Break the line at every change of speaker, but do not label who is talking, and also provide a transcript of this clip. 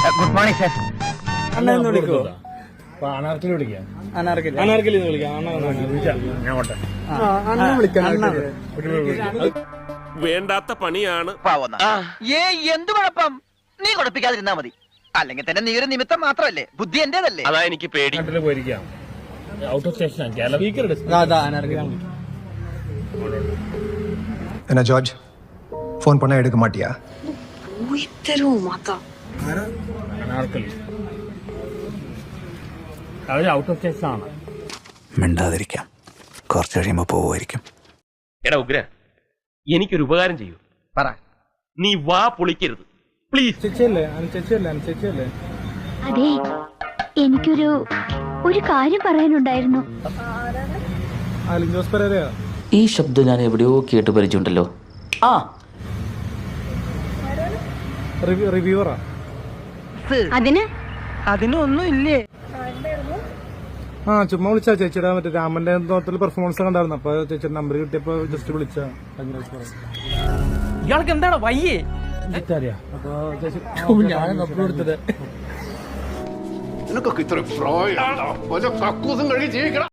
Good morning sir.
അണ്ണന്ന് വിളിക്കോ?
അനാർക്കലി വിളിക്കാം.
അനാർക്കലി വിളിക്കാം.
അണ്ണ വിളിക്കാം.
വേണ്ടാത്ത പണിയാണ്.
എന്ത് കുഴപ്പം? നീ കുഴപ്പിക്കാതിരുന്നാ മതി. അല്ലെങ്കിൽ തന്നെ നീ ഒരു നിമിത്തം മാത്രമല്ലേ, ബുദ്ധി എന്റേതല്ലേ.
അതാ എനിക്ക് പേടി.
നാട്ടില് പോയിരിക്കാം. ഔട്ട് ഓഫ് സ്റ്റേഷൻ
என்ன ஜார்ஜ் ஃபோன் பண்ணா எடுக்க மாட்டியா?
അനാർക്കലി അവര് ഔട്ട് ഓഫ് സ്റ്റേഷൻ ആണ്.
മിണ്ടാതിരിക്കാം, കുറച്ച് കഴിയുമ്പോ പോവുമായിരിക്കും.
എടാ ഉഗ്ര, എനിക്കൊരു ഉപകാരം ചെയ്യൂ.
പറ.
നീ വാ പൊളിക്കരുത് പ്ലീസ്.
ചേച്ചിയല്ലേ?
അതെ, എനിക്കൊരു കാര്യം പറയാനുണ്ടായിരുന്നു.
അലിൻ ജോസ് പെരേരയോ?
ഈ ശബ്ദം ഞാൻ എവിടെയോ കേട്ട് പരിചയമുണ്ടല്ലോ. ആ,
റിവ്യൂവറാ.
അതിനൊന്നും ഇല്ലേ?
ആ, ചുമ്മാ വിളിച്ചാ. ചേച്ചിയുടെ മറ്റേ രാമന്റെ തോട്ടത്തിൽ പെർഫോമൻസ് കണ്ടായിരുന്നു. അപ്പൊ ചേച്ചിയുടെ നമ്പർ കിട്ടിയപ്പോ ജസ്റ്റ് വിളിച്ചാ.
ഇയാൾക്ക് എന്താണ് വയ്യേ?
അപ്പൊ ചേച്ചി
ഞാൻ നമ്പർ കൊടുത്തത്.
നിനക്കൊക്കെ ഇത്ര പ്രായം കക്കൂസും കഴി ജീവിക്കണം.